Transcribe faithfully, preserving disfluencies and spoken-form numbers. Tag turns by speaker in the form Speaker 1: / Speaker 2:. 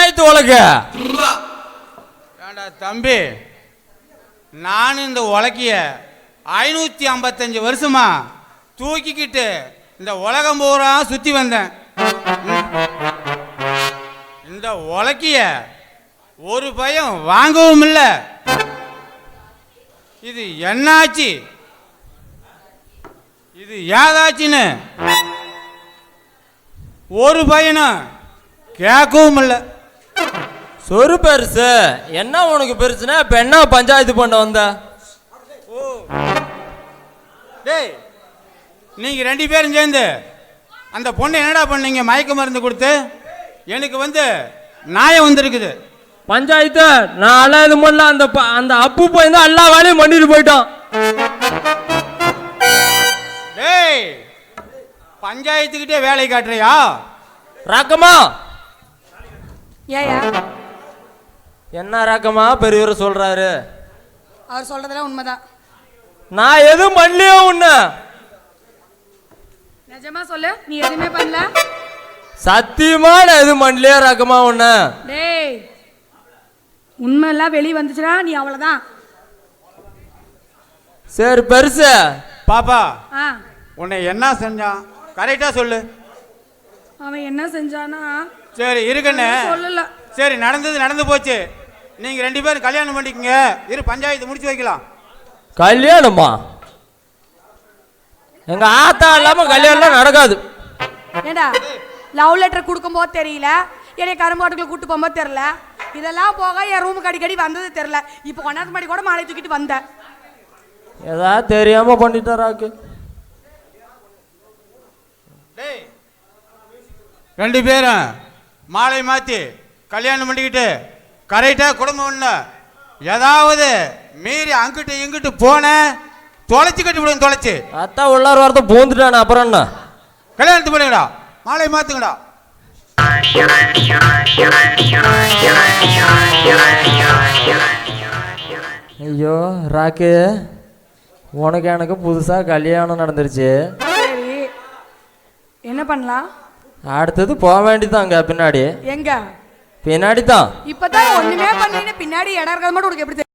Speaker 1: பஞ்சாயத்து உலக
Speaker 2: ஏண்டா தம்பி, நான் இந்த உலக்கிய ஐநூற்றி ஐம்பத்தஞ்சு வருஷமா தூக்கிக்கிட்டு இந்த உலகம் பூரா சுற்றி வந்தேன். இந்த உலக்கிய ஒரு பயம் வாங்கவும் இல்லை. இது என்னாச்சு, இது ஏதாச்சுன்னு ஒரு பையனும் கேட்கவும் இல்லை.
Speaker 1: சொரு பெருசு என்ன உனக்கு பெருசுன்னா இப்ப என்ன பஞ்சாயத்து பண்ண வந்த?
Speaker 2: ஓ டேய், நீங்கள் ரெண்டு பேரும் சேர்ந்து அந்த பொண்ணை என்னடா பண்ணீங்க? மயக்க மருந்து கொடுத்து எனக்கு வந்து நாயம் வந்திருக்குது.
Speaker 1: பஞ்சாயத்து நான் எல்லாம் இது பண்ணல. அந்த அந்த அப்பு போய் தான் எல்லா வேலையும் பண்ணிட்டு போயிட்டான்.
Speaker 2: டேய், பஞ்சாயத்துக்கிட்டே வேலை காட்டுறியா?
Speaker 1: ரக்கமா
Speaker 3: ஏயா
Speaker 1: என்ன ரக்கமா பெரியவர் சொல்றாரு?
Speaker 3: அவர் சொல்றதெல்லாம் உண்மைதான்.
Speaker 1: நான் எதுவும் பண்ணலையோ உன்ன?
Speaker 3: நிஜமா சொல்லு, நீ எதுவுமே பண்ணல?
Speaker 1: சத்தியமா நான் எதுவும் பண்ணலையோ ரக்கமா உன்ன?
Speaker 3: டேய், உண்மை எல்லாம் வெளியே வந்துச்சுனா நீ அவ்வளவுதான்.
Speaker 1: சரி பெருசு.
Speaker 2: பாப்பா,
Speaker 3: ஆ,
Speaker 2: உன்னை என்ன செஞ்சான் கரெக்டா சொல்லு.
Speaker 3: அவன் என்ன செஞ்சானா?
Speaker 2: சரி இருக்கண்ணே,
Speaker 3: சொல்லல.
Speaker 2: சரி நடந்தது நடந்து போச்சு. நீங்க ரெண்டு பேரும் கல்யாணம் பண்ணிக்கங்க. இரு, பஞ்சாயத்து முடிச்சு வைக்கலாம்.
Speaker 1: கல்யாணமா? எங்க ஆத்தா இல்லாம கல்யாணம் நடக்காது.
Speaker 3: ஏண்டா, லவ் லெட்டர் கொடுக்கும் போது தெரியல, என்னை கரும்பாட்டுக்குள்ள கூட்டு போகும்போது தெரியல, இதெல்லாம் போக என் ரூமுக்கு அடிக்கடி வந்தது தெரியல. இப்போ கொண்டாந்து மாடி கூட மாலை தூக்கிட்டு வந்த.
Speaker 1: ஏதாவது தெரியாம பண்ணிட்டாராக்கு.
Speaker 2: ரெண்டு பேரும் மாலை மாற்றி கல்யாணம் பண்ணிக்கிட்டு கரெக்டாக குடும்பம் ஒன்று. ஏதாவது மீறி அங்கிட்டு இங்கிட்டு போன தொலைச்சி கட்டி விடுங்க. தொலைச்சி
Speaker 1: அத்தா உள்ளார வாரத்தை பூந்துட்டானே. அப்புறம் என்ன?
Speaker 2: கல்யாணத்து பண்ணுங்கடா, மாலை மாற்றுங்கடா.
Speaker 1: ஐயோ ராக்கு, உனக்கு எனக்கு புதுசாக கல்யாணம் நடந்துருச்சு.
Speaker 3: சரி, என்ன பண்ணலாம்?
Speaker 1: அடுத்தது போக வேண்டியதாங்க. பின்னாடி
Speaker 3: எங்க?
Speaker 1: பின்னாடி தான்.
Speaker 3: இப்பதான் ஒண்ணுமே பண்ணீங்க, பின்னாடி இடம் இருக்கிறது மட்டும் உனக்கு எப்படி தெரியும்?